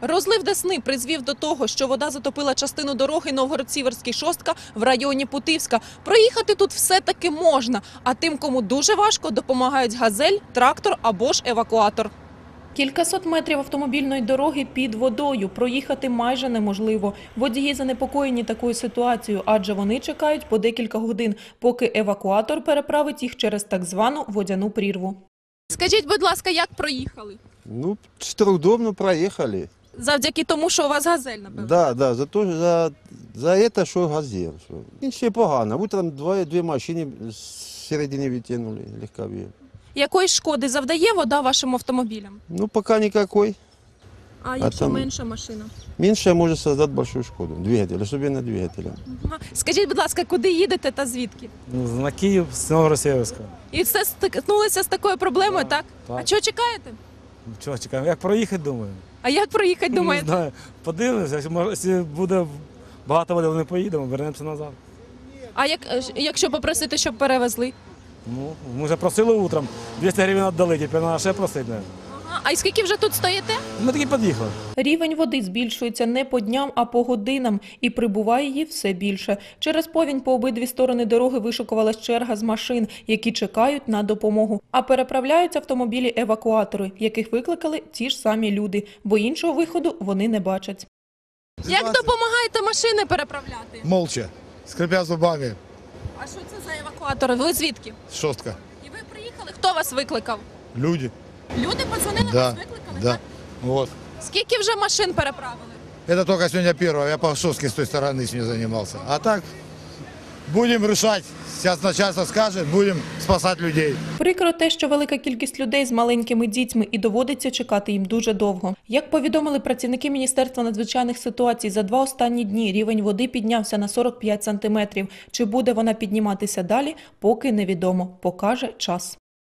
Розлив Десни призвів до того, що вода затопила частину дороги Новгород-Сіверський Шостка в районі Путивська. Проїхати тут все-таки можна, а тим, кому дуже важко, допомагають газель, трактор або ж евакуатор. Кількасот метрів автомобільної дороги під водою. Проїхати майже неможливо. Водії занепокоєні такою ситуацією, адже вони чекають по декілька годин, поки евакуатор переправить їх через так звану водяну прірву. Скажіть, будь ласка, як проїхали? Ну, с трудом, но проехали. Завдяки тому, що у вас газель, напевно? Да, за это, що газель. Ще погано. Утром дві машини з середини витягнули, легкові. Якої шкоди завдає вода вашим автомобілям? Ну, пока никакой. А якщо там менша машина? Меньшая может создать большую шкоду. Двигатель, особенно двигателя. Скажіть, будь ласка, куди їдете та звідки? На Київ з Новгород-Сіверського. І все стикнулися з такою проблемою, так? Так. А чого чекаєте? Чого чекаємо? Як проїхати, думаю? А як проїхати, думаєте? Не знаю. Подивимося, якщо буде багато води, не поїдемо, вернемося назад. А якщо попросити, щоб перевезли? Ну, ми вже просили утром, 200 гривень віддали, тепер треба ще просити. Навіть. А й скільки вже тут стоїте? Ми таки під'їхали. Рівень води збільшується не по дням, а по годинам. І прибуває її все більше. Через повінь по обидві сторони дороги вишикувалась черга з машин, які чекають на допомогу. А переправляють автомобілі-евакуатори, яких викликали ті ж самі люди, бо іншого виходу вони не бачать. Як допомагаєте машини переправляти? Молча, скрипя зубами. А що це за евакуатори? Ви звідки? Шостка. І ви приїхали? Хто вас викликав? Люди. Люди подзвонили, Да, вас викликали? да. Так? Вот. Скільки вже машин переправили? Это только сегодня первое. Я по Шостке с той стороны с ней занимался. А так будем решать. Сейчас начальство скажет, будем спасать людей. Прикро те, що велика кількість людей з маленькими дітьми і доводиться чекати їм дуже довго. Як повідомили працівники Міністерства надзвичайних ситуацій, за 2 останні дні рівень води піднявся на 45 сантиметрів. Чи буде вона підніматися далі, поки невідомо. Покаже час.